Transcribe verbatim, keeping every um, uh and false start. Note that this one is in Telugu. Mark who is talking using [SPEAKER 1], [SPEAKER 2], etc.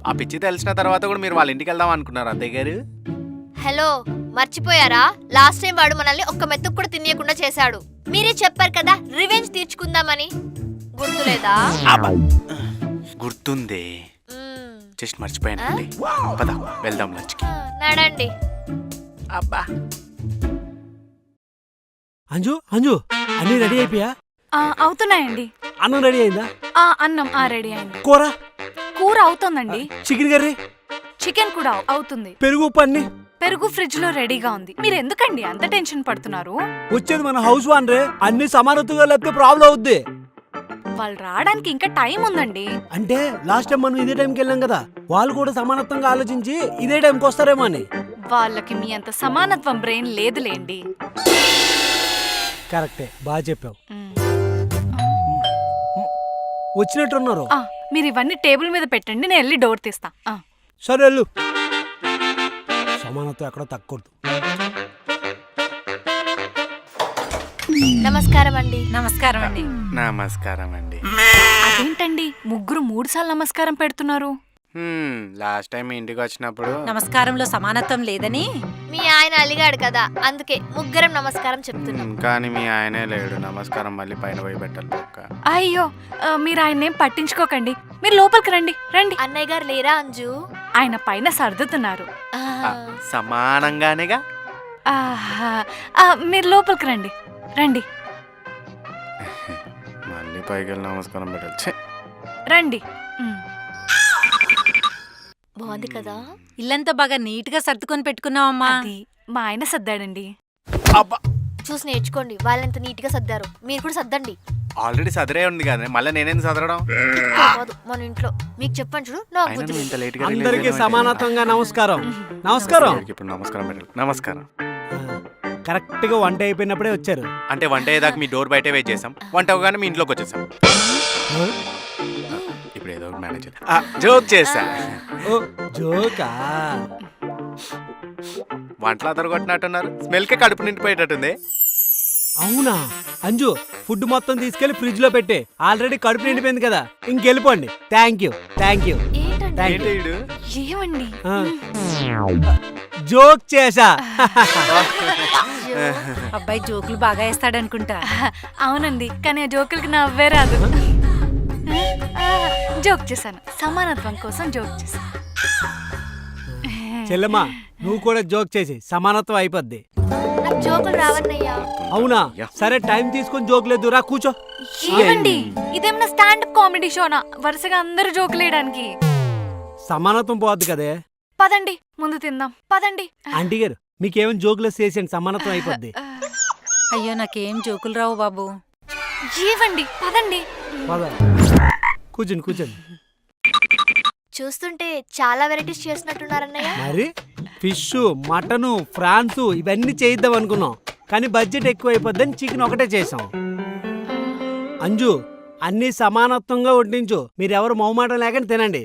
[SPEAKER 1] ఆ పిచ్చి తెలిసిన తర్వాత కూడా మీరు వాళ్ళ ఇంటికి వెళ్దాం అనుకున్నారు అత్తయ్య గారు.
[SPEAKER 2] హలో, మర్చిపోయారా? లాస్ట్ టైం వాడు మనల్ని ఒక్క మెతుకు కూడా తినేయకుండా చేశాడు. మీరే చెప్పారు కదా రివెంజ్ తీర్చుకుందామని, గుర్తులేదా?
[SPEAKER 1] గుర్తుంది,
[SPEAKER 2] మ్మ్.
[SPEAKER 1] జస్ట్ మర్చిపోయానండి. పద వెళ్దాం లంచ్కి.
[SPEAKER 2] ఆ, నడండి.
[SPEAKER 1] అబ్బా
[SPEAKER 3] అంజు అంజు అన్ని రెడీ అయిపోయా?
[SPEAKER 4] ఆ, అవుతున్నాయండి.
[SPEAKER 3] అన్నం రెడీ అయిందా?
[SPEAKER 4] ఆ అన్నం ఆ రెడీ అయింది.
[SPEAKER 3] కూర
[SPEAKER 4] కూర అవుతోందండి.
[SPEAKER 3] చికెన్ కర్రీ
[SPEAKER 4] చికెన్ కూడా అవుతుంది.
[SPEAKER 3] పెరుగు ఉప్పు అన్ని
[SPEAKER 4] పెరుగు ఫ్రిడ్జ్ లో రెడీగా ఉంది. మీరు ఎందుకండి అంత టెన్షన్ పడుతున్నారు?
[SPEAKER 3] వచ్చేది మన హౌస్ వాన్ రే, అన్ని సమానత్వంగా లేకపోతే ప్రాబ్లం అవుద్ది.
[SPEAKER 4] వాళ్ళు రావడానికి ఇంకా టైం ఉందండి.
[SPEAKER 3] అంటే లాస్ట్ టైం మనం ఇదే టైంకి వెళ్ళాం కదా, వాళ్ళు కూడా సమానత్వంగా ఆలోచించి ఇదే టైంకి వస్తారేమో అని.
[SPEAKER 4] వాళ్ళకి మీ అంత సమానత్వం బ్రెయిన్ లేదులేండి.
[SPEAKER 3] కరెక్టే, బాగా చెప్పావు.
[SPEAKER 4] మ్.
[SPEAKER 3] వచ్చినట్టున్నారు.
[SPEAKER 4] ఆ, మీరు ఇవన్నీ టేబుల్ మీద పెట్టండి, నేను వెళ్ళి డోర్ తీస్తా. ఆ.
[SPEAKER 3] సరే వెళ్ళు. సమానత్వం ఎక్కడో తక్కువద్దు.
[SPEAKER 2] నమస్కారం అండి.
[SPEAKER 4] నమస్కారం అండి.
[SPEAKER 1] నమస్కారం అండి.
[SPEAKER 4] అదేంటండి ముగ్గురు మూడు సార్లు నమస్కారం పెడుతున్నారు?
[SPEAKER 1] లాస్ట్ టైం మీ ఇంటికి వచ్చినప్పుడు
[SPEAKER 5] నమస్కారంలో సమానత్వం లేదని
[SPEAKER 2] మీ ఆయన అలిగాడు కదా, అందుకే ముగ్గురం నమస్కారం చెప్తున్నాం.
[SPEAKER 1] మ్, కానీ మీ ఆయనే లేడు. నమస్కారం మళ్ళీ పైన పోయి పెట్టాలి పక్క.
[SPEAKER 4] అయ్యో, ఆ, మీరు ఆయన ఏం పట్టించుకోకండి. మీరు లోపలికి రండి రండి.
[SPEAKER 2] అన్నయ్య గారు లేరా అంజు?
[SPEAKER 4] ఆయన పైన సర్దుతున్నారు.
[SPEAKER 2] ఆ,
[SPEAKER 1] ఆ, సమానంగానేగా.
[SPEAKER 4] ఆహా, ఆ, మీరు లోపలికి రండి రండి
[SPEAKER 1] మళ్ళీ పైకి వెళ్ళి నమస్కారం పెట్టాలి. ఛే!
[SPEAKER 4] రండి. మ్.
[SPEAKER 2] బాగుంది కదా.
[SPEAKER 5] ఇల్లంతా బాగా నీట్ గా సర్దుకొని పెట్టుకున్నావమ్మా.
[SPEAKER 4] అది మా ఆయన సర్దాడండి.
[SPEAKER 1] అబ్బా
[SPEAKER 2] చూసి నేర్చుకోండి, వాళ్ళెంత నీట్ గా సర్దారు, మీరు కూడా సర్దండి.
[SPEAKER 1] ఆల్రెడీ సదరే ఉంది కదా, మళ్ళీ నేనేందుకు సదరడం?
[SPEAKER 2] కాదు మన ఇంట్లో మీకు చెప్పండి చూడు, నాకు
[SPEAKER 1] అయినా
[SPEAKER 2] బుద్ధి
[SPEAKER 1] నువ్వు
[SPEAKER 2] లేదు.
[SPEAKER 1] ఇంత లేట్గా
[SPEAKER 3] అందరికీ సమానత్వంగా నమస్కారం. నమస్కారం.
[SPEAKER 1] ఇప్పుడు నమస్కారం పెట్టాలి. నమస్కారం.
[SPEAKER 3] కరెక్ట్ గా వంట అయిపోయినప్పుడే వచ్చారు.
[SPEAKER 1] అంటే వంట అయ్యేదాకా మీ డోర్ బయటే వెయిట్ చేసాం, వంట అవగానే మీ ఇంట్లోకి వచ్చేసాం. ఇప్పుడు ఏదో ఒకటి మేనేజ్ చేద్దాం. జోక్ చేసా.
[SPEAKER 3] ఓ జోకా?
[SPEAKER 1] వంటలు అదరగొట్టినట్టున్నారు, స్మెల్కే కడుపు నిండిపోయేటట్టుంది.
[SPEAKER 3] అవునా అంజు, ఫుడ్ మొత్తం తీసుకెళ్లి ఫ్రిడ్జ్ లో పెట్టే. ఆల్రెడీ కడుపు నిండిపోయింది కదా, ఇంకెళ్ళిపోండి. Thank you thank you.
[SPEAKER 2] ఏంటండి?
[SPEAKER 3] Thank you.
[SPEAKER 1] ఏంటి ఈడు?
[SPEAKER 4] ఏమండి?
[SPEAKER 3] జోక్ చేసా.
[SPEAKER 5] అబ్బాయి జోకులు బాగా వేస్తాడనుకుంటా.
[SPEAKER 4] అవునండి, కానీ ఆ జోకులకి నవ్వే రాదు. ఆ, జోక్ చేశాను, సమానత్వం కోసం జోక్ చేశాను.
[SPEAKER 3] చెల్లెమ్మా, నువ్వు కూడా జోక్ చేసి సమానత్వం అయిపోద్ది.
[SPEAKER 2] నాకు జోకులు రావన్నయ్యా.
[SPEAKER 3] అవునా? సరే టైం తీసుకొని జోక్ లేదు, రా కూర్చో.
[SPEAKER 4] ఏమండి, ఇదేమన్నా స్టాండప్ కామెడీ షోనా వరుసగా అందరూ జోకులేయడానికి?
[SPEAKER 3] సమానత్వం పోద్ది కదే.
[SPEAKER 4] పదండి ముందు తిందాం, పదండి.
[SPEAKER 3] ఆంటీ గారు, మీకేమైనా జోకులు చేసేయండి, సమానత్వం అయిపోద్ది.
[SPEAKER 5] అయ్యో నాకేం జోకులు రావు బాబు.
[SPEAKER 4] ఏవండి పదండి.
[SPEAKER 3] పద. కూర్చోండి కూర్చోండి.
[SPEAKER 2] చూస్తుంటే చాలా వెరైటీస్ చేసినట్టున్నారన్నయ్య.
[SPEAKER 3] మరి ఫిష్, మటను, ఫ్రాన్స్ ఇవన్నీ చేయిద్దాం అనుకున్నాం, కానీ బడ్జెట్ ఎక్కువ అయిపోద్దని చికెన్ ఒకటే చేసాం. అంజు, అన్ని సమానత్వంగా వడ్డించు, మీరెవరు మొహమాటం లేకుండా తినండి.